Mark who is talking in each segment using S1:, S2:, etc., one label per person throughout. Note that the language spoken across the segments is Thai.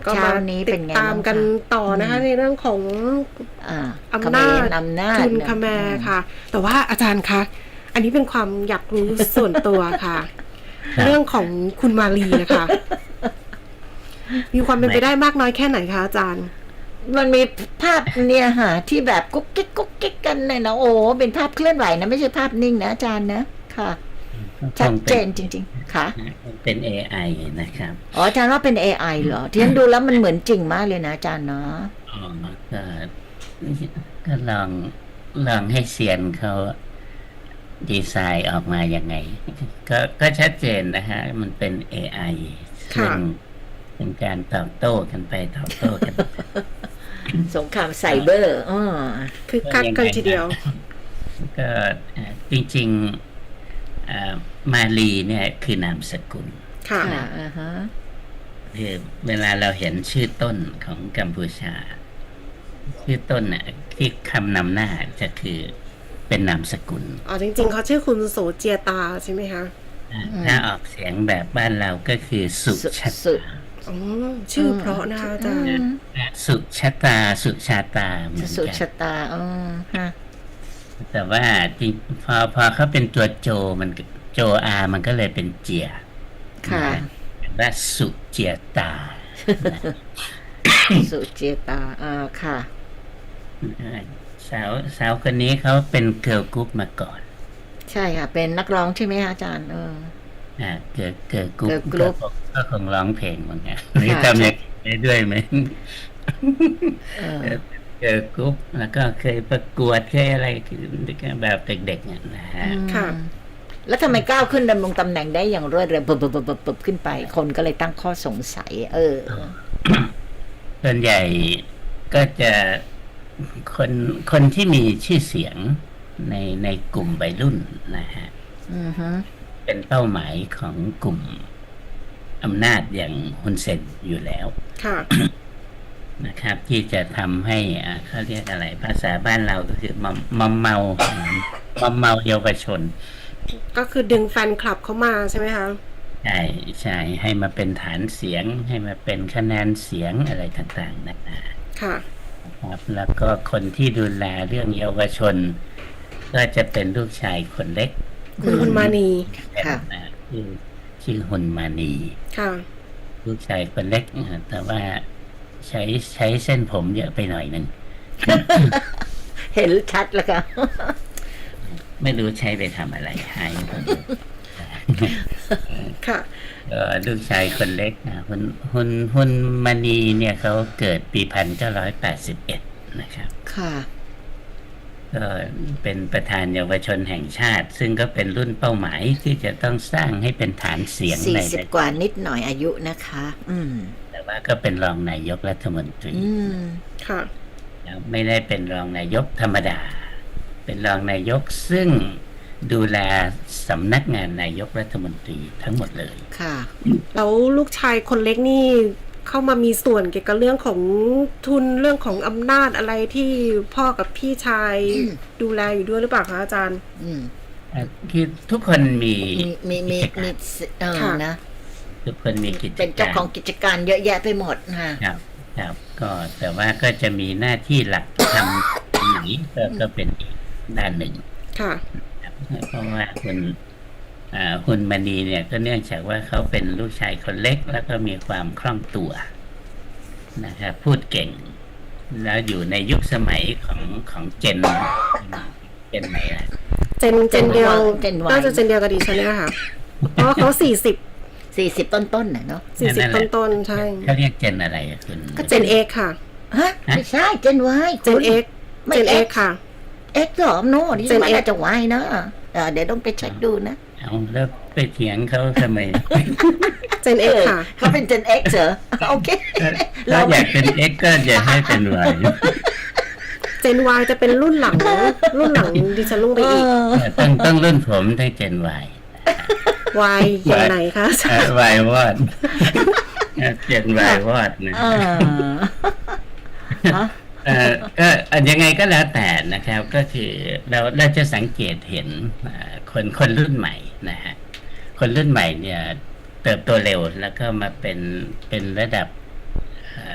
S1: ก็มา
S2: เช้านี้
S1: ติด
S2: เป็นไง
S1: ตามกัน
S2: บ้างคะ
S1: ต่อนะคะในเรื่องของ
S2: อ่า
S1: อำนาจ
S2: อำนาจ
S1: ทุนคแมร์ค่ะ แต่ว่าอาจารย์คะอันนี้เป็นความอยากรู้ส่วนตัวค่ะ
S3: ครับ
S1: เรื่องของคุณมาลีนะคะ มีความเป็นไปได้มากน้อยแค่ไหนคะอาจารย์
S2: มันมีภาพเนี่ยฮะที่แบบกุ๊กกิ๊กกุ๊กกิ๊กกันเลยนะโอ้เป็นภาพเคลื่อนไหวนะไม่ใช่ภาพนิ่งนะอาจารย์นะค่ะ ชัดเจนจริงๆค่ะ
S3: เป็น AI นะครับ
S2: อ๋ออาจารย์ว่าเป็น AI เหรอที่ฉันดูแล้วมันเหมือนจริงมากเลยนะอาจารย์เนาะ
S3: อ๋อก็ลองให้เซียนเขาดีไซน์ออกมายังไง ก็ชัดเจนนะฮะ มันเป็น AI ซึ่งเป็นการตอบโต้กันไปตอบโต้กัน
S2: สงครามไซเบอร์อ๋อ
S1: คือคักกันทีเดียว
S3: ก็จริงมาลีเนี่ยคือนามสกุล
S1: ค่ะ
S2: ค่ะอ่าฮะ
S3: คือเวลาเราเห็นชื่อต้นของกัมพูชา ชื่อต้นน่ะที่คำนำหน้าจะคือเป็นนามสกุล
S1: อ๋อจริงๆเขาชื่อคุณโสเจียตาใช่ไหมคะ
S3: ถ้าออกเสียงแบบบ้านเราก็คือสุชา
S2: สุ
S3: ตา
S1: อ๋อชื่อเพราะนะคะอาจารย์
S3: สุชาตาสุชาตาเหมือน
S2: สุ
S3: กัน
S2: ชะตาอ๋อฮะ
S3: แต่ว่าจริงพอเขาเป็นตัวโจมันโจอามันก็เลยเป็นเจีย
S2: ค่ะ
S3: ว่าสุเจียตา
S2: สุเจตาอ่าค่ะ
S3: สาวคนนี้เขาเป็นเกิร์ลกรุ๊ปมาก่อน
S2: ใช่ค่ะ เป็นนักร้องใช่ไหมคะอาจารย์
S3: เกิร์ลกรุ๊ป
S2: girl group
S3: ก็คงร้องเพลงเหมือนกันหรือทำอย่างนี้ได้ด้วยไหม
S2: เออ
S3: เกิร์ลกรุ๊ปแล้วก็เคยประกวดเคยอะไรแบบเด็กๆเนี่ยนะฮะ
S1: ค่ะ
S2: แล้วทำไมก้าวขึ้นดำรงตำแหน่งได้อย่างรวดเร็วปุ๊บขึ้นไป คนก็เลยตั้งข้อสงสัย
S3: ส่วนใหญ่ก็จะคนที่มีชื่อเสียงในกลุ่มวัยรุ่นนะฮะ
S2: อือฮึ
S3: เป็นเป้าหมายของกลุ่มอำนาจอย่างฮุนเซนอยู่แล้ว
S1: ค่ะ
S3: นะครับ ที่จะทำให้เขาเรียกอะไร ภาษาบ้านเราก็คือมอมเมา มอมเมาเยาวชน
S1: ก็คือดึงแฟนคลับเข้ามาใช่ไหมคะ
S3: ใช่ให้มาเป็นฐานเสียง ให้มาเป็นคะแนนเสียงอะไรต่างๆนะ
S1: ค่ะ
S3: ครับแล้วก็คนที่ดูแลเรื่องเยาวชน ก็จะเป็นลูกชายคนเล็ก
S1: คุณมานี
S2: ค่ะ
S3: ชื่อฮุนมานี
S1: ค่ะ
S3: ลูกชายคนเล็กแต่ว่าใช้เส้นผมเยอะไปหน่อยหนึ่ง
S2: เห็นชัดแล้วค่ะ
S3: ไม่รู้ใช้ไปทำอะไรให้
S1: ค่ะ
S3: ลูกชายคนเล็กฮุนมานีเนี่ยเขาเกิดปี1981นะครับ
S2: ค่ะ
S3: ก็เป็นประธานเยาวชนแห่งชาติ ซึ่งก็เป็นรุ่นเป้าหมายที่จะต้องสร้างให้เป็นฐานเสียงใน
S2: 40 กว่านิดหน่อยอายุนะคะ
S3: แต่ว่าก็เป็นรองนายกรัฐมนตรี
S1: ค่ะ
S3: ไม่ได้เป็นรองนายกธรรมดา เป็นรองนายกซึ่งดูแลสำนักงานนายกรัฐมนตรีทั้งหมดเลย
S2: ค่ะ
S1: แล้วลูกชายคนเล็กนี่เข้ามามีส่วนเกี่ยวกับเรื่องของทุนเรื่องของอำนาจอะไรที่พ่อกับพี่ชายดูแลอยู่ด้วยหรือเปล่าคะอาจารย์
S3: คือทุกคนมี
S2: มี
S1: ค่ะ
S2: นะ
S3: ทุกคนมีกิจ
S2: เป็นเจ้า
S3: การ
S2: ของกิจการเยอะแยะไปหมดค่ะ
S3: ครับก็แต่ว่าก็จะมีหน้าที่หลักทำไหนก็เป็นอีกด้านหนึ่ง
S1: ค่ะ
S3: ครับเพราะว่าคุณมณีเนี่ยก็เนื่องจากว่าเขาเป็นลูกชายคนเล็กแล้วก็มีความคล่องตัวนะครับพูดเก่ง แล้วอยู่ในยุคสมัยของเจนไหนล่ะ
S1: เจนเดียว
S2: เจน Y
S1: น่าจะเจนเดียวกับดิฉันเนี่ยค่ะ เพราะว่าเขา
S2: 40 ต้นๆน่ะเนาะ
S1: 40ต้นๆใช่
S3: เขาเรียกเจนอะไรคุณ
S1: ก็เจนเอ็กค่ะ
S2: ฮะไม่ใช่เจน Y
S1: เจนเอ็ก
S2: ไม่
S1: เจนเอ็ก
S2: X
S1: ค่ะ
S2: เอ็กซ์หรอโน่ดิฉัน
S1: Gen
S2: ว่า
S1: X
S2: น่าจะ Y นะเดี๋ยวต้องไปเช็คดูนะ
S3: เอาแล้วไปเถียงเขาทำไม
S1: เจนเอ็กค่ะ
S2: เขาเป็น Gen X เหรอโอเค
S3: ถ้าอยากเป็น X ก็อย่าให้เป็น Y
S1: เจน Y จะเป็นรุ่นหลังดิฉันลงไปอีก
S3: ต้องรุ่นผมได้เจน Y
S1: Y อย่างไหนคะ
S3: Y วอดเจน Y วอดนะก็ยังไงก็แล้วแต่นะครับก็คือเราจะสังเกตเห็นคนรุ่นใหม่นะฮะคนรุ่นใหม่เนี่ยเติบโตเร็วแล้วก็มาเป็นระดับ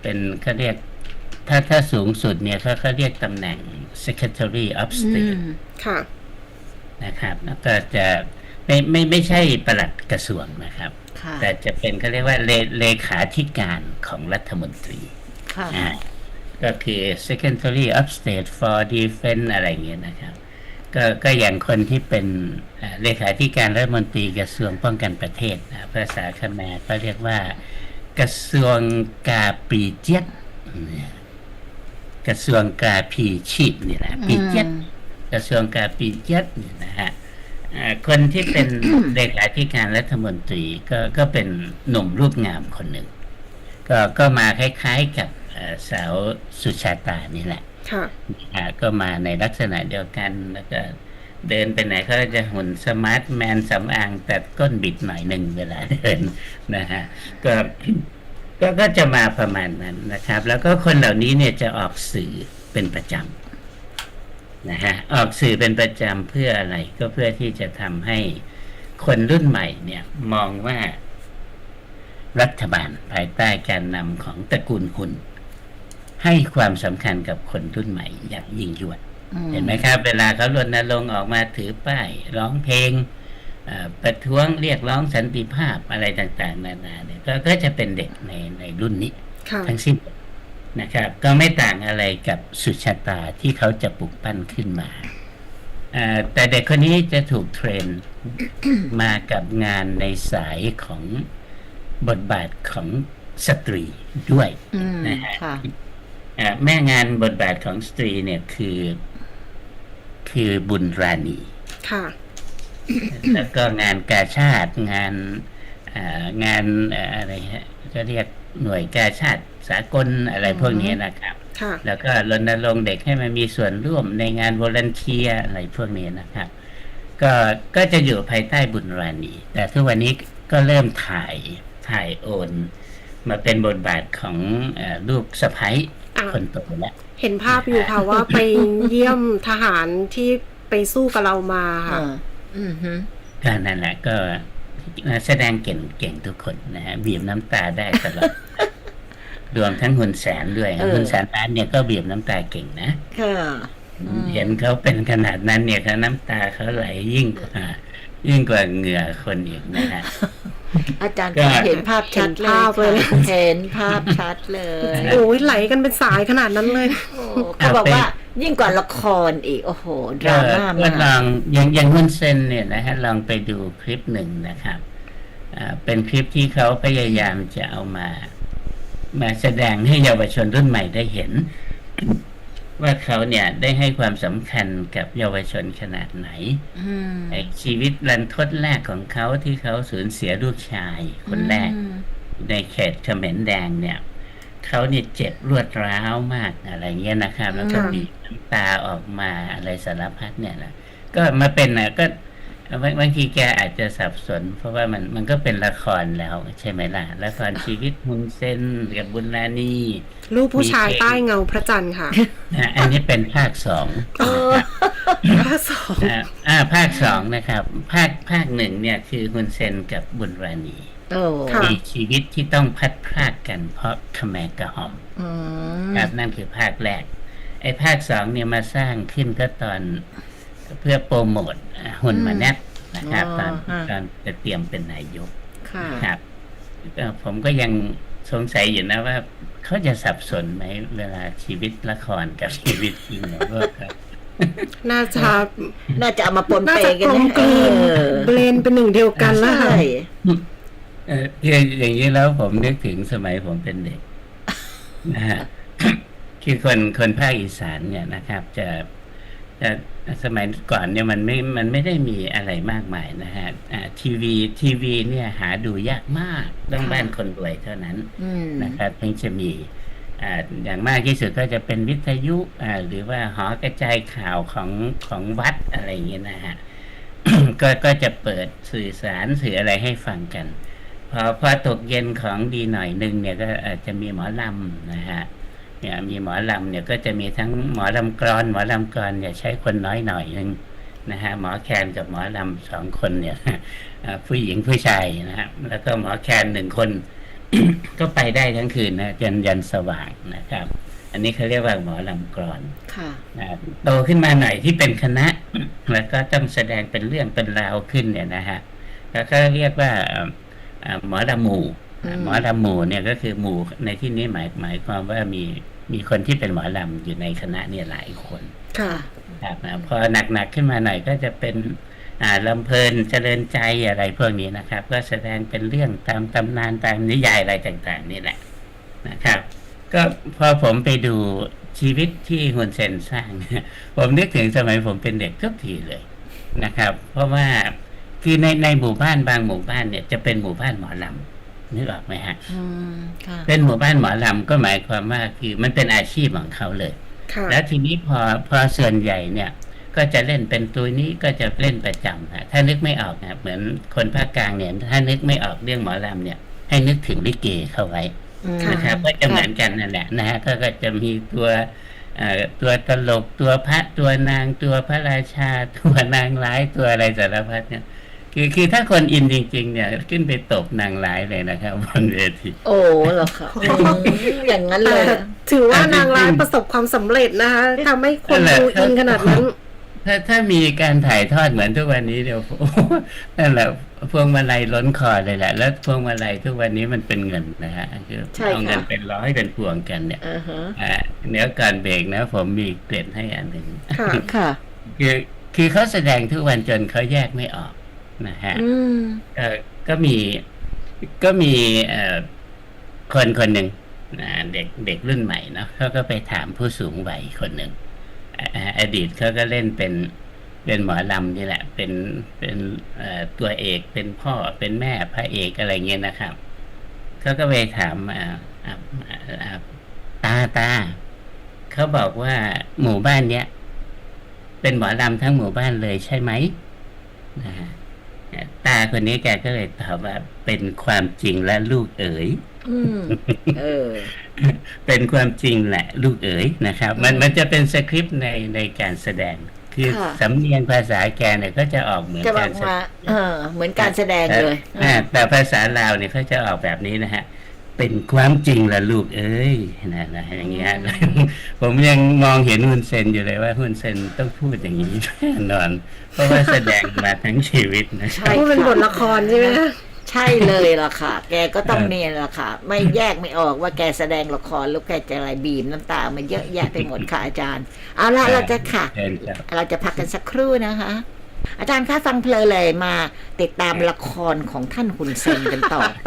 S3: เป็นเขาเรียกถ้าสูงสุดเนี่ยเขาเรียกตำแหน่ง Secretary of
S2: อื
S3: State
S2: ม
S1: ค่ะ
S3: นะครับแล้วก็จะไม่ใช่ปลัดกระทรวงนะครับ
S2: ค่ะ
S3: แต่จะเป็นเขาเรียกว่าเลขาธิการของรัฐมนตรี
S2: ค่ะ
S3: ก็คือ Secretary of State for Defense อะไรอย่างเงี้ยนะครับ ก็อย่างคนที่เป็นเลขาธิการรัฐมนตรีกระทรวงป้องกันประเทศนะภาษาเขมรก็เรียกว่ากระทรวงกาปีเจ็ดกระทรวงกาปีชีพนี่แหละปีเจ็ดกระทรวงกาปีเจ็ดนี่นะฮะคนที่เป็น เลขาธิการรัฐมนตรีก็เป็นหนุ่มรูปงามคนหนึ่งก็มาคล้ายๆกับสาวสุชาตานี่แหละ
S1: ค่ะ
S3: ก็มาในลักษณะเดียวกันแล้วก็เดินไปไหนเขาจะหุ่นสมาร์ทแมนสำอางแต่ก้นบิดหน่อยหนึ่งเวลาเดินนะฮะก็จะมาประมาณนั้นนะครับ แล้วก็คนเหล่านี้เนี่ยจะออกสื่อเป็นประจำนะฮะออกสื่อเป็นประจำเพื่ออะไรก็เพื่อที่จะทำให้คนรุ่นใหม่เนี่ยมองว่ารัฐบาลภายใต้การนำของตระกูลหุ่นให้ความสำคัญกับคนรุ่นใหม่อย่างยิ่งยวดเห็นไหมครับเวลาเขารณรงค์ออกมาถือป้ายร้องเพลงประท้วงเรียกร้องสันติภาพอะไรต่างๆนานาเนี่ยก็จะเป็นเด็กในรุ่นนี้
S1: ค่ะ
S3: ทั้งสิ้นนะครับ ก็ไม่ต่างอะไรกับสุชาตาที่เขาจะปลุกปั้นขึ้นมาแต่เด็กคนนี้จะถูกเทรน มากับงานในสายของบทบาทของสตรีด้วยนะฮะ
S2: ค่ะ
S3: แม่งานบทบาทของสตรีเนี่ยคือบุญราณี
S1: ค่ะ
S3: แล้วก็งานกาชาติงานอะไรฮะก็เรียกหน่วยกาชาติสากลอะไรพวกนี้นะครับ
S1: ค่ะ
S3: แล้วก็รณรงค์เด็กให้มันมีส่วนร่วมในงานวอลันเทียอะไรพวกนี้นะครับ ก็จะอยู่ภายใต้บุญราณี แต่ทุกวันนี้ก็เริ่มถ่ายโอนมาเป็นบทบาทของลูกสะใภ้คนโตแล้ว
S1: เห็นภาพอยู่ค่ะ ว่าไปเยี่ยมทหารที่ไปสู้กับเรามาค่ะ
S3: ก็นั่นแหละก็แสดงเก่งทุกคนนะฮะบีบน้ำตาได้ตลอด รวมทั้งหุ่นแสนด้วยหุ่นแสนล้านเนี่ยก็บีบน้ำตาเก่งนะ
S2: ค่ะ
S3: เห็นเขาเป็นขนาดนั้นเนี่ยเขาน้ำตาเขาไหลยิ่งกว่าเหงื่อคนอีกนะฮะ
S2: อาจารย์ก็เห็นภาพชัดเลย เห็นภาพชัดเลย
S1: โอ้ยไหลกันเป็นสายขนาดนั้นเลย
S2: เขาบอกว่ายิ่งกว่าละครอีก โอ้โห ดราม่า
S3: ก็
S2: มาก
S3: ลองอย่างฮุนเซนเนี่ยนะฮะลองไปดูคลิปหนึ่งนะครับเป็นคลิปที่เขาพยายามจะเอามาแสดงให้เยาวชนรุ่นใหม่ได้เห็น ว่าเขาเนี่ยได้ให้ความสำคัญกับเยาวชนขนาดไหนชีวิตรันทดแรกของเขาที่เขาสูญเสียลูกชายคนแรกในเขตเขมรแดงเนี่ยเขาเนี่ยเจ็บรวดร้าวมากอะไรเงี้ยนะครับ แล้วก็บีบน้ำตาออกมาอะไรสารพัดเนี่ยนะก็มาเป็นก็บางทีแกอาจจะสับสน เพราะว่ามันก็เป็นละครแล้วใช่ไหมล่ะละครชีวิตฮุนเซนกับบุญราณี
S1: ลูกผู้ชายใต้เงาพระจันทร์ค่ะ
S3: อันนี้เป็นภาคสอง
S1: ภาคสอง
S3: ภาคสองนะครับภาคหนึ่งเนี่ยคือฮุนเซนกับบุญราณี มีชีวิตที่ต้องพัดพรากกันเพราะขแมกระหอมครับนั่นคือภาคแรกไอ้ภาคสองเนี่ยมาสร้างขึ้นก็ตอนเพื่อโปรโมทหุ่นมาแนบนะครับตอนจะเตรียมเป็นนายกครับผมก็ยังสงสัยอยู่นะว่าเขาจะสับสนไหมเวลาชีวิตละครกับชีวิตจริงเนี่ยก็
S1: น่าจะ
S2: เอามาปน
S1: น่า
S2: เป
S1: จะ
S2: กัน
S1: กลมกลืนเบลนเป็นหนึ่งเดียวกันแล้วค่ะ
S3: อย่างนี้แล้วผมนึกถึงสมัยผมเป็นเด็กนะฮะคือคนภาคอีสานเนี่ยนะครับจะสมัยก่อนเนี่ยมันไม่ได้มีอะไรมากมายนะฮะทีวีเนี่ยหาดูยากมากต้องบ้านคนรวยเท่านั้นนะครับถึงจะมีอย่างมากที่สุดก็จะเป็นวิทยุหรือว่าหอกระจายข่าวของวัดอะไรอย่างเงี้ยนะฮะ ก็จะเปิดสื่อสารสื่ออะไรให้ฟังกันพอตกเย็นของดีหน่อยนึงเนี่ยก็อาจจะมีหมอลำนะฮะเนี่ยมีหมอลำเนี่ยก็จะมีทั้งหมอลำกลอนเนี่ยใช้คนน้อยหน่อยนึงนะฮะหมอแคนกับหมอลำ2 คนเนี่ยผู้หญิงผู้ชายนะฮะแล้วก็หมอแคน1 คนก็ไปได้ทั้งคืนนะยันสว่างนะครับ อันนี้เขาเรียกว่าหมอลำกลอน
S2: ค่ะ
S3: นะโตขึ้นมาหน่อยที่เป็นคณะ แล้วก็ต้องแสดงเป็นเรื่องเป็นราวขึ้นเนี่ยนะฮะแล้วก็เรียกว่าหมอลำหมู่ หมอลำหมู่เนี่ยก็คือหมู่ในที่นี้หมายความว่ามีคนที่เป็นหมอลำอยู่ในคณะเนี่ยหลายคน
S1: ค่ะ
S3: ครับพอหนักขึ้นมาหน่อยก็จะเป็นลำเพลินเจริญใจอะไรพวกนี้นะครับ ก็แสดงเป็นเรื่องตามตำนานตามนิยายอะไรต่างๆนี่แหละนะครับ ก็พอผมไปดูชีวิตที่ฮุนเซนสร้าง ผมนึกถึงสมัยผมเป็นเด็กทุกทีเลยนะครับ เพราะว่าคือในหมู่บ้านบางหมู่บ้านเนี่ยจะเป็นหมู่บ้านหมอลำนึกออกไหมฮะ
S2: ค่ะ
S3: เป็นหมู่บ้านหมอลำก็หมายความว่าคือมันเป็นอาชีพของเขาเลย
S1: ค่ะ
S3: แล้วทีนี้พอส่วนใหญ่เนี่ย ก็จะเล่นเป็นตัวนี้ก็จะเล่นประจำฮะถ้านึกไม่ออกนะเหมือนคนภาคกลางเนี่ยถ้านึกไม่ออกเรื่องหมอลำเนี่ย ให้นึกถึงลิเกเข้าไว้นะครับก็จะเหมือนกันนั่นแหละนะฮะก็จะมีตัวตลกตัวพระตัวนางตัวพระราชาตัวนางร้ายตัวอะไรสารพัดเนี่ยคือถ้าคนอินจริง ๆ เนี่ยขึ้นไปตบนางร้ายเลยนะครับบนเวที
S2: โอ้เหรอคะอย่างนั้นเลย
S1: ถือว่านางร้ายประสบความสำเร็จนะคะทำให้คนดูอินขนาดนั้น
S3: ถ้ามีการถ่ายทอดเหมือนทุกวันนี้เดี๋ยว โอ้โหนั่นแหละพวงมาลัยล้นคอเลยแหละ แล้วพวงมาลัยทุกวันนี้มันเป็นเงินนะฮะคือ
S2: ใช่
S3: เอาเงิน
S2: ค่ะ
S3: เป็นร้อยเป็นพวงกันเนี่ย
S2: ฮะ
S3: เนื้อก่อนเบรกนะ ผมมีเกร็ดให้อันหนึ่ง
S1: ค่ะ
S2: ค่ะ
S3: คือเขาแสดงทุกวันจนเขาแยกไม่ออกนะฮะ ก็มีคนหนึ่งเด็กรุ่นใหม่เนาะเขาก็ไปถามผู้สูงวัยคนหนึ่งอดีตเขาก็เล่นเป็นหมอลำนี่แหละ เป็นตัวเอกเป็นพ่อเป็นแม่พระเอกอะไรเงี้ยนะครับเขาก็ไปถามตาเขาบอกว่าหมู่บ้านเนี้ยเป็นหมอลำทั้งหมู่บ้านเลยใช่ไหมนะฮะตาคนนี้แกก็เลยตอบว่าเป็นความจริงและลูกเอ๋ย เป็นความจริงแหละลูกเอ๋ยนะครับ มันจะเป็นสคริปต์ในการแสดง คือ
S2: ค่ะ
S3: สำเนียงภาษาแกเนี่ยก็จะออกเหมือน
S2: จะบ
S3: กา
S2: อก
S3: รแสด
S2: ว่าง เหมือนการแสดงเลย
S3: แต่ภาษาลาวเนี่ยเขาจะออกแบบนี้นะฮะ เป็นความจริงละลูกเอ้ยนะอย่างเงี้ย ผมยังมองเห็นฮุนเซนอยู่เลยว่าฮุนเซนต้องพูดอย่างนี้แน่นอน เพราะว่าแสดงมาทั้งชีวิตนะ
S2: ใช่
S1: พูดเป็นบทละครใช่ไหมคะ
S2: ใช่เลยล่ะค่ะ แกก็ต้องเนี่ยล่ะค่ะ ไม่แยกไม่ออกว่าแกแสดงละครหรือแกจะอะไรบีบน้ำตามันเยอะแยะไปหมดค่ะอาจารย์ เอาละเราจะค่ะ
S3: เชิญครับ
S2: เราจะพักกันสักครู่นะคะ อาจารย์คะฟังเพลินเลยมาติดตามละครของท่านคุณเซนกันต่อไป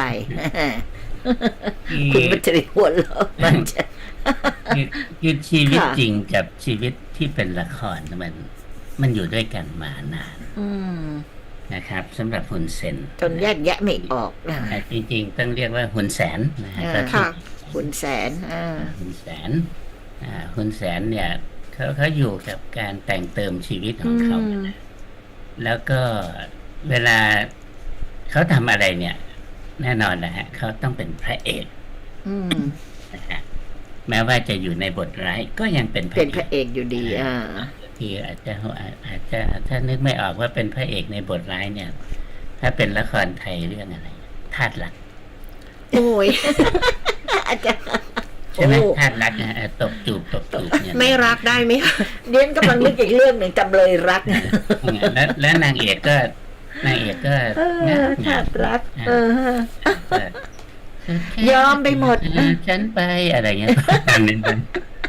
S2: คุณมัจริหัวเราะมันจะ
S3: คือชีวิต
S2: ค่ะ
S3: จริงกับชีวิตที่เป็นละครมันอยู่ด้วยกันมานาน
S2: อืม
S3: นะครับสำหรับฮุนเซน
S2: จนแยกแยะไม่ออกนะ
S3: จริงๆต้องเรียกว่าฮุนแสนนะฮะ
S2: อ่า
S3: ก็
S1: ค่ะ
S2: คุณแสน
S3: ฮุนแสนฮุนแสนเนี่ยเขาอยู่กับการแต่งเติมชีวิตของเขา แล้วก็เวลาเขาทำอะไรเนี่ย แน่นอนนะฮะเขาต้องเป็นพระเอก
S2: อืม
S3: นะฮะแม้ว่าจะอยู่ในบทร้ายก็ยังเป็นพระ
S2: เป็น
S3: เอ
S2: พระ
S3: ก
S2: เอกอยู่ดี
S3: ที่อาจจะถ้านึกไม่ออกว่าเป็นพระเอกในบทร้ายเนี่ย ถ้าเป็นละครไทยเรื่องอะไรธาตุรัก
S1: โอ้ย
S2: อาจารย์
S3: ใช่ไหม
S2: โอ้
S3: ธาตุรักนะตบจูบเนี่ย
S1: ไม่รักได้ไหมคะ
S2: เรียนกำลังนึกอีกเรื่องหนึ่งจำเลยรัก
S3: แล้วนางเอกก็
S2: ธาตุรัก ยอมไปหมด
S3: ฉันไปอะไรเงี้ยอันนี้ไป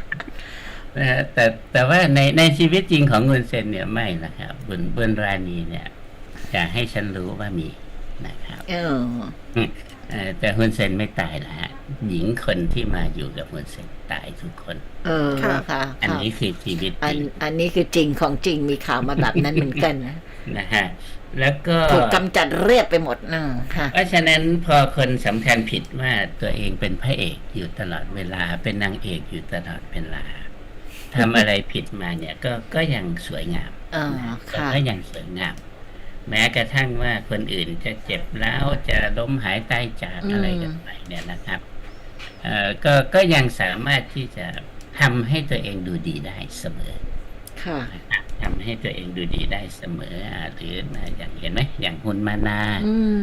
S3: แต่ว่าในชีวิตจริงของฮุนเซนเนี่ยไม่นะครับบุญราณีเนี่ยอยากให้ฉันรู้ว่ามีนะครับแต่ฮุนเซนไม่ตายนะฮะหญิงคนที่มาอยู่กับฮุนเซนตายทุกคน
S2: ค่ะ
S3: อันนี้คือชีวิตจริง
S2: อันนี้คือจริงของจริงมีข่าวมาแบบนั้นเหมือนกันนะ
S3: นะฮะแล้วก็
S2: ถูกกำจัดเรียบไปหมดค่ะ
S3: เพราะฉะนั้นพอคนสำคัญผิดว่าตัวเองเป็นพระเอกอยู่ตลอดเวลาเป็นนางเอกอยู่ตลอดเวลาทำอะไรผิดมาเนี่ยก็ยังสวยงาม
S2: ค่ะ
S3: ก็ยังสวยงาม แม้กระทั่งว่าคนอื่นจะเจ็บแล้วจะล้มหายตายจากอะไรกันไปเนี่ยนะครับก็ยังสามารถที่จะทำให้ตัวเองดูดีได้เสมอ
S2: ค่ะ
S3: ทำให้ตัวเองดูดีได้เสมอหรืออย่างเห็นไหมอย่างฮุนมานา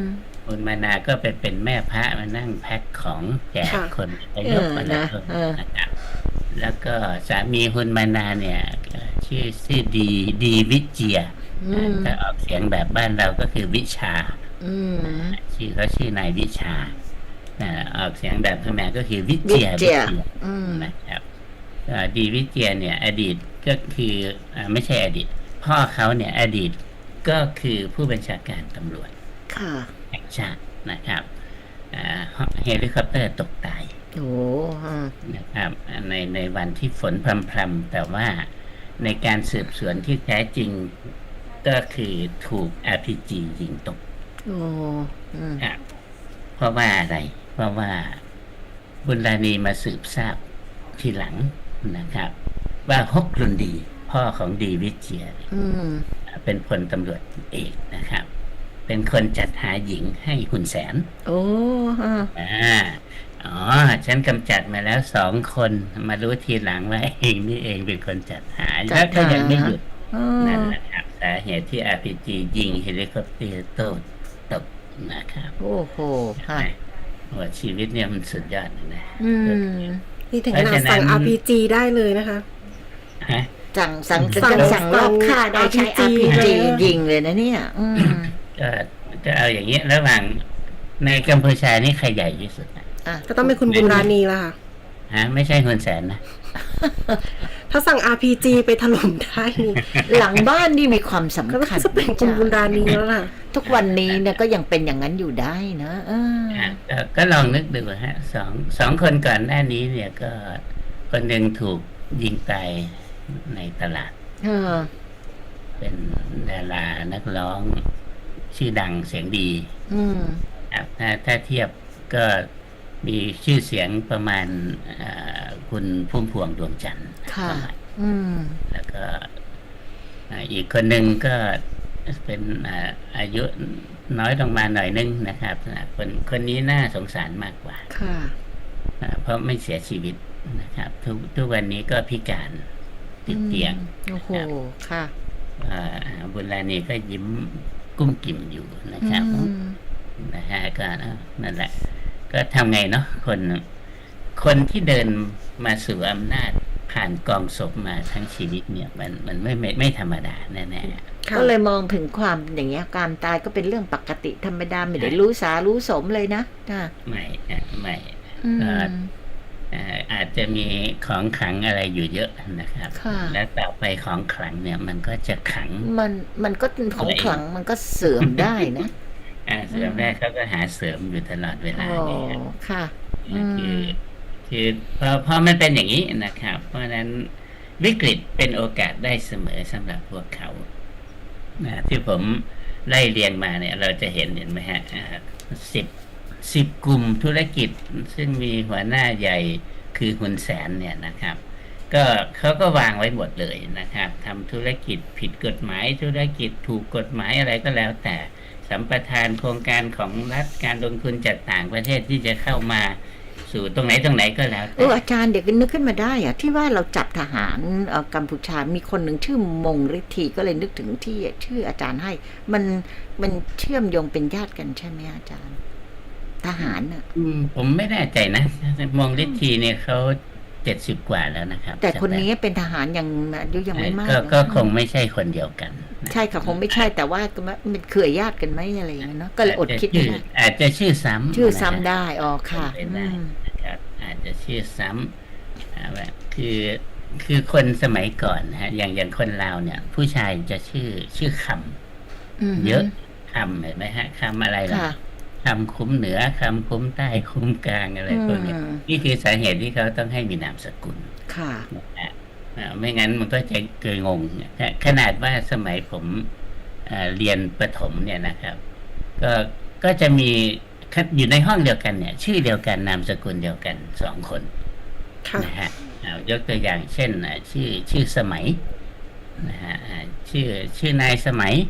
S3: คุณมานาก็ไปเป็นแม่พระมานั่งแพ็คของแจก
S1: ค่ะ
S3: คนไปยกมานะครับแล้วก็สามีคุณมานาเนี่ยชื่อดีวิเจียถ้าออกเสียงแบบบ้านเราก็คือวิชา ชื่อเขาชื่อนายวิชาออกเสียงแบบพม่าก็คือวิเจียนะครับดีวิเจียเนี่ย อดีตก็คือไม่ใช่อดีต พ่อเขาเนี่ย อดีตก็คือผู้บัญชาการตำรวจ
S2: ค่ะ
S3: แห่งชาตินะครับเฮลิคอปเตอร์ตกตาย
S2: โอ้อ่า
S3: นะครับในวันที่ฝนพรำๆแต่ว่าในการสืบสวนที่แท้จริงก็คือถูก RPG ยิงตก
S2: โอ้อืม
S3: ครับเพราะว่าอะไร เพราะว่าบุญราณีมาสืบทราบทีหลังนะครับ ว่าฮกรุนดี พ่อของดีวิเชียร
S2: อืม
S3: เป็นพลตำรวจเอกนะครับ เป็นคนจัดหาหญิงให้คุณแสน
S2: โอ้อ่า
S3: อ๋อ ฉันกำจัดมาแล้ว2 คนมารู้ทีหลังว่าเองนี่เองเป็นคนจัดหาแล้วก็ยังไม่หยุด นั่นแหละครับสาเหตุที่ RPG ยิงเฮลิคอปเตอร์ตกนะครับ
S2: โอ้โหค่ะ
S3: ว่าชีวิตเนี่ยมันสุดยอดนะ
S2: อืม
S1: นี่ถึงขนาดสั่ง RPG ได้เลยนะคะ
S3: ฮะ
S2: สั่งรอบฆ่าได้ใช้ RPG ยิงเลยนะเนี่ย
S3: ก็เอาอย่างนี้ระหว่างในกัมพูชานี่ใครใหญ่ที่สุดนะ
S1: ก็ต้องเป็นคุณบุญราณีละค่ะ
S3: ฮะไม่ใช่คุณแสนนะ
S1: ถ้าสั่ง RPG ไปถล่มได้นี่
S2: หลังบ้านนี่มีความ
S1: ก็
S2: สำคัญ
S1: จะเป็นคุณบุญราณีแล้วล่ะ
S2: ทุกวันนี้เนี่ยก็ยังเป็นอย่างนั้นอยู่ได้นะ
S3: ก็ลองนึกดูฮะสองคนก่อนหน้านี้เนี่ยก็คนหนึ่งถูกยิงตายในตลาด เป็นดารานักร้องชื่อดังเสียงดีครับถ้าเทียบก็มีชื่อเสียงประมาณคุณพุ่มพวงดวงจันทร์
S2: ค่ะ
S3: แล้วก็อีกคนหนึ่งก็เป็นอายุน้อยลงมาหน่อยนึงนะครับคนนี้น่าสงสารมากกว่า
S2: ค่ะ
S3: เพราะไม่เสียชีวิตนะครับ ทุกวันนี้ก็พิการติดเตียง
S2: โอ้โหค่ะ
S3: บุญราณีก็ยิ้มกุ้มกิ่มอยู่นะครับนะฮะก็นั่นแหละ ก็ทำไงเนาะคนที่เดินมาสู่อำนาจผ่านกองศพมาทั้งชีวิตเนี่ยมันไม่ธรรมดาแน่ๆ
S2: ก็เลยมองถึงความอย่างเงี้ยการตายก็เป็นเรื่องปกติธรรมดาไม่ได้รู้สารู้สมเลยนะ
S3: ไม่อาจจะมีของขลังอะไรอยู่เยอะนะครับ และต่อไปของขลังเนี่ย มันก็จะขัง
S2: มันก็ของขลังมันก็เสื่อมได้นะ
S3: เสื่อมได้เขาก็หาเสริมอยู่ตลอดเวลาเนี่ย
S2: ค่ะ
S3: คือพอมันเป็นอย่างนี้นะครับ เพราะฉะนั้นวิกฤตเป็นโอกาสได้เสมอสำหรับพวกเขาที่ผมไล่เรียงมาเนี่ย เราจะเห็นไหมฮะ10 กลุ่มธุรกิจซึ่งมีหัวหน้าใหญ่คือคุณแสนเนี่ยนะครับ ก็เขาก็วางไว้หมดเลยนะครับทำธุรกิจผิดกฎหมายธุรกิจถูกกฎหมายอะไรก็แล้วแต่สัมปทานโครงการของรัฐการลงทุนจากต่างประเทศที่จะเข้ามาสู่ตรงไหนก็แล้วแต่
S2: อาจารย์เดี๋ยวนึกขึ้นมาได้อะที่ว่าเราจับทหารกัมพูชามีคนหนึ่งชื่อมงฤทธีก็เลยนึกถึงที่ชื่ออาจารย์ให้มันเชื่อมโยงเป็นญาติกันใช่ไหมอาจารย์ทหารอ่ะ
S3: ผมไม่แน่ใจนะมงฤทธีเนี่ยเขา70 กว่าแล้วนะครับ
S2: แต่คนนี้เป็นทหารยังอายุยังไม่มาก
S3: ก็คงไม่ใช่คนเดียวกัน
S2: ใช่ค่ะคงไม่ใช่แต่ว่ามันเคยญาติกันไหมอะไรอย่างเงี้ยเนาะก็เลยอดคิดไม่ได้
S3: อาจจะชื่อซ้
S2: ำได้อ๋อค่ะ
S3: นะครับอาจจะชื่อซ้ำคือคนสมัยก่อนฮะอย่างคนลาวเนี่ย ผู้ชายจะชื่อคำเยอะคำเห็นไหมฮะคำอะไรล่ะคำคุ้มเหนือคำคุ้มใต้คุ้มกลางอะไรพวกนี้นี่คือสาเหตุที่เขาต้องให้มีนามสกุล
S2: ค่ะ
S3: ไม่งั้นมันก็จะเกยงงขนาดว่าสมัยผมเรียนประถมเนี่ยนะครับก็จะมีอยู่ในห้องเดียวกันเนี่ย ชื่อเดียวกันนามสกุลเดียวกัน2 คนนะฮะยกตัวอย่างเช่นชื่อสมัยนะฮะชื่อนายสมัย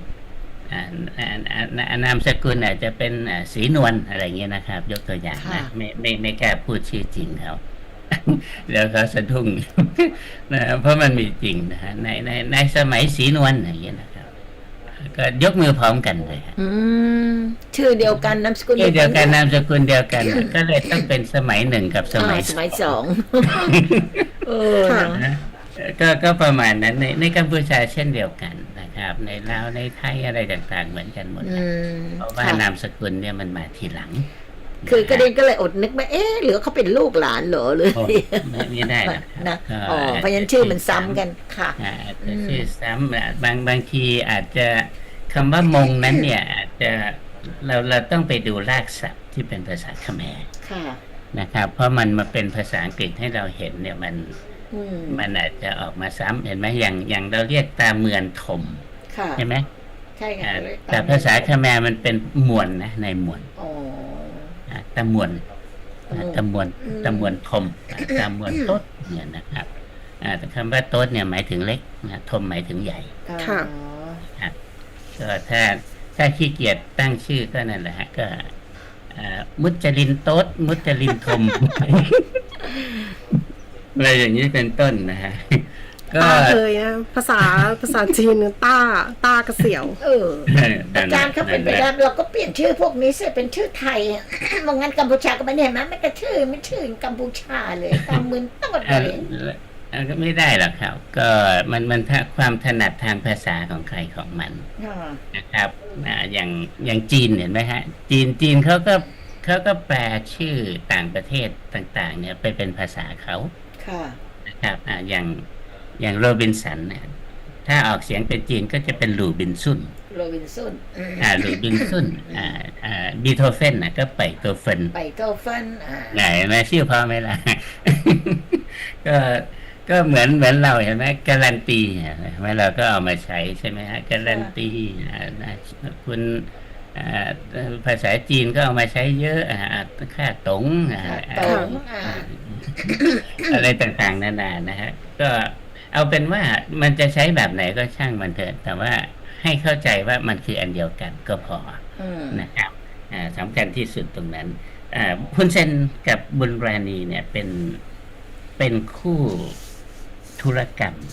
S3: นามสกุลอาจจะเป็นศรีนวลอะไรเงี้ยนะครับ ยกตัวอย่างนะไม่กล้าพูดชื่อจริงเขา แล้วเขาสะดุ้ง นะเพราะมันมีจริงนะฮะในสมัยศรีนวลอย่างเงี้ยนะครับก็ยกมือพร้อมกันเลยฮะ
S2: อืมชื่อเดียวกันนามสกุล
S3: ชื่อเดียวกันนามสกุลเดียวกัน ก็เลยต้องเป็นสมัยหนึ่งกับสมัย
S2: สมัยสองเออ
S1: ค่ะ
S3: นะก็ประมาณนั้นในกัมพูชาเช่นเดียวกันนะครับ ในลาวในไทยอะไรต่างๆเหมือนกันหมด
S2: อื
S3: นะ
S2: ม
S3: เพราะว่า
S2: ค่ะ
S3: นามสกุลเนี่ยมันมาทีหลัง
S2: คือกระเด็นก็เลยอดนึกไม่หรือเขาเป็นลูกหลานเหรอหรือ
S3: โอ้ไม่ได้หรอกครับ
S2: นะ
S3: ก็
S2: อ๋อเพราะฉะนั้นชื่อมันซ้ำกันค่ะ
S3: อาจจะชื่อซ้ำบางทีอาจจะคำว่ามงนั้นเนี่ยอาจจะเราต้องไปดูรากศัพท์ที่เป็นภาษาเขมร
S2: ค่ะ
S3: นะครับ เพราะมันมาเป็นภาษาอังกฤษให้เราเห็นเนี่ยมัน
S2: อืม
S3: มันอาจจะออกมาซ้ำเห็นไหมอย่างเราเรียกตาเมือนถม
S2: ค่ะ
S3: ใช่ไหม
S2: ใช่ค่ะ
S3: แต่ภาษาเขมรมันเป็นมวนนะในมวน
S2: อ๋อ
S3: ตะมวนตะมวน
S2: อืม
S3: ตะมวนทมตะมวนโต๊ดเนี่ยนะครับแต่คำว่าโต๊ดเนี่ยหมายถึงเล็กนะทมหมายถึงใหญ่
S1: ค่ะ
S3: ก็ถ้าขี้เกียจตั้งชื่อก็นั่นแหละฮะก็มุจลินโต๊ดมุจลินทม อะไรอย่างนี้เป็นต้นนะฮะก็
S1: ต้าเคยนะภาษาจีนต้ากระเสียว
S2: เอออาจารย์เขาเป็นไปได้เราก็เปลี่ยนชื่อพวกนี้เสียเป็นชื่อไทยมองงั้นกัมพูชาก็ไม่เห็นไหมไม่กระชื่อไม่ชื่อกัมพูชาเลยตามมือต้นเลย
S3: ก็ไม่ได้หรอกครับ ก็มันความถนัดทางภาษาของใครของมัน
S2: ค่ะ
S3: นะครับอย่างจีนเห็นไหมฮะจีนเขาก็แปลชื่อต่างประเทศต่างๆ เนี่ยไปเป็นภาษาเขา
S2: ค่ะ
S3: นะครับอย่างโรบินสันเนี่ยถ้าออกเสียงเป็นจีนก็จะเป็นหลู่บินซุน
S2: โรบินสัน
S3: หลู่บินซุนบีโธเฟนก็ไปโตเฟน
S2: ไปโตฟัน
S3: ไหนแม่ชื่อพ่อไหมล่ะ ก็เหมือนเราเห็นไหมการันตีเห็นไหมเราก็เอามาใช้ใช่ไหมฮะการันตีคุณภาษาจีนก็เอามาใช้เยอะค่าตง
S2: ตง
S3: อะไรต่างๆนานานะฮะก็เอาเป็นว่ามันจะใช้แบบไหนก็ช่างมันเถอะแต่ว่าให้เข้าใจว่ามันคืออันเดียวกันก็พอนะครับสำคัญที่สุดตรงนั้นฮุนเซนกับบุญราณีเนี่ยเป็นคู่ธุรกรรม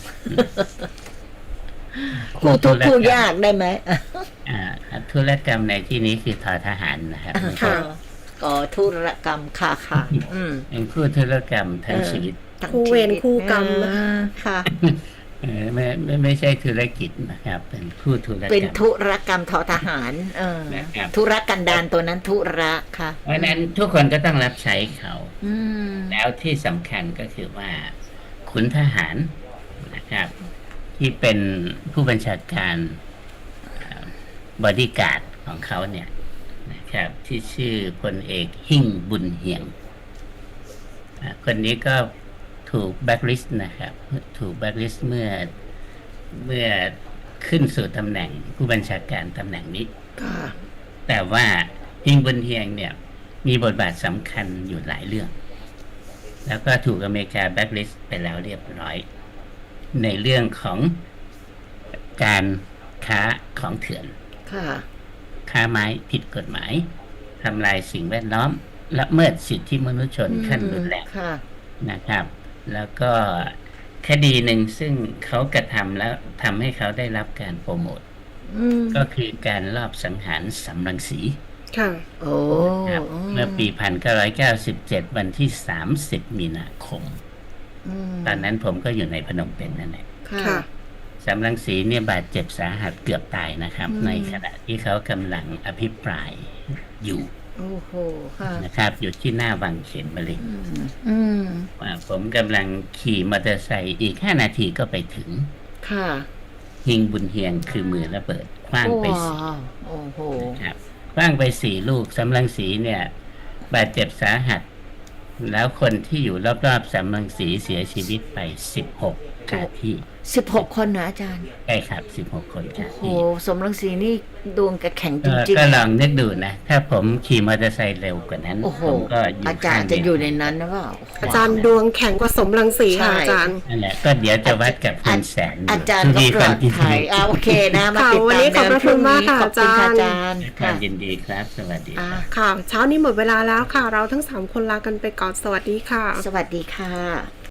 S2: คู่ทุกคู่ยากได้ไหม
S3: ธุรกรรมในที่นี้คือทอทหารนะครับ
S1: ค่ะ
S2: ก็ธุรกรรมค่ะ
S3: เป็นคู่ธุรกรรมทั้งชีวิต
S1: คู่เวรคู่กรรม
S2: ค่ะ
S3: ไม่ใช่ธุรกิจนะครับ เป็นคู่ธุรกรรม
S2: เป็นธุรกรรมทอทหาร
S3: นะครับ
S2: ธุรกันดารตัวนั้นธุระค่ะ
S3: เพราะฉะนั้นทุกคนก็ต้องรับใช้เขา
S2: อืม
S3: แล้วที่สำคัญก็คือว่าขุนทหารนะครับ ที่เป็นผู้บัญชาการบอดี้การ์ดของเขาเนี่ยนะครับ ที่ชื่อพลเอกหิ่งบุญเฮียงคนนี้ก็ถูกแบล็คลิสต์นะครับ ถูกแบล็คลิสต์เมื่อขึ้นสู่ตำแหน่งผู้บัญชาการตำแหน่งนี้
S2: ค่ะ
S3: แต่ว่าหิ่งบุญเฮียงเนี่ยมีบทบาทสำคัญอยู่หลายเรื่อง แล้วก็ถูกอเมริกาแบล็คลิสต์ไปแล้วเรียบร้อย ในเรื่องของการค้าของเถื่อน
S2: ค่ะ
S3: ค้าไม้ผิดกฎหมายทำลายสิ่งแวดล้อมละเมิดสิทธิมนุษยชนขั้นรุนแรง
S2: ค่ะ
S3: นะครับ แล้วก็คดีหนึ่งซึ่งเขากระทำแล้วทำให้เขาได้รับการโปรโมท ก็คือการลอบสังหารสำรังสี
S1: ค่ะ
S2: โอ้
S3: ครับเมื่อปี 1997 วันที่ 30 มีนาคม ตอนนั้นผมก็อยู่ในพนมเปญนั่นแหละ
S2: ค่ะ
S1: ค่ะ
S3: สำรังสีเนี่ยบาดเจ็บสาหัสเกือบตายนะครับ ในขณะที่เขากำลังอภิปรายอยู่
S2: โอ้โห ค่ะ
S3: นะครับ อยู่ที่หน้าวังเขมรินทร์
S2: อืม
S3: ผมกำลังขี่มอเตอร์ไซค์อีก 5 นาทีก็ไปถึง
S2: ค่ะ
S3: หิงบุญเฮียงคือมือระเบิดคว้างไป
S2: ว้า
S3: สี่
S2: วโอ้โห
S3: นะครับคว้างไป4 ลูกสำรังสีเนี่ย บาดเจ็บสาหัส แล้วคนที่อยู่รอบๆสำรังสีเสียชีวิตไป 16 คาที่
S2: 16 คนนะอาจารย์
S3: ใช่ครับ 16 คนคา
S2: โอ้โห
S3: ที่
S2: สมรังสีนี่ดวงกระแข็งจริง
S3: ก็ลองนึกดูนะ ถ้าผมขี่มอเตอร์ไซค์เร็วกว่านั้น
S2: ๆ โอ้โห
S3: ผมก็อยู่
S2: อาจารย์จะอยู่ในนั้นนะว่า
S1: อาจารย์ดวงแข็งกว่าสมรังสีค่ะ
S2: ใช่
S1: อาจารย์
S3: นั่นแหละก็เดี๋ยวจะวัดกับคุณแสน
S2: อาจารย์ก็ปลอดภัยโอเคนะมาติด
S1: วัน
S2: ตาม
S1: นี้ขอบพระคุณมากค่ะ
S2: ขอบคุณค่ะ
S1: อา
S2: อา
S1: จา
S2: จาร ร
S1: ย์
S2: ย์
S3: ครั
S2: ค่ะ
S3: บยินดีครับ สวัสดีครับ
S1: ค่ะ เช้านี้หมดเวลาแล้วค่ะ เราทั้ง3 คนลากันไปก่อน สวัสดีค่ะ
S2: สวัสดีค่ะ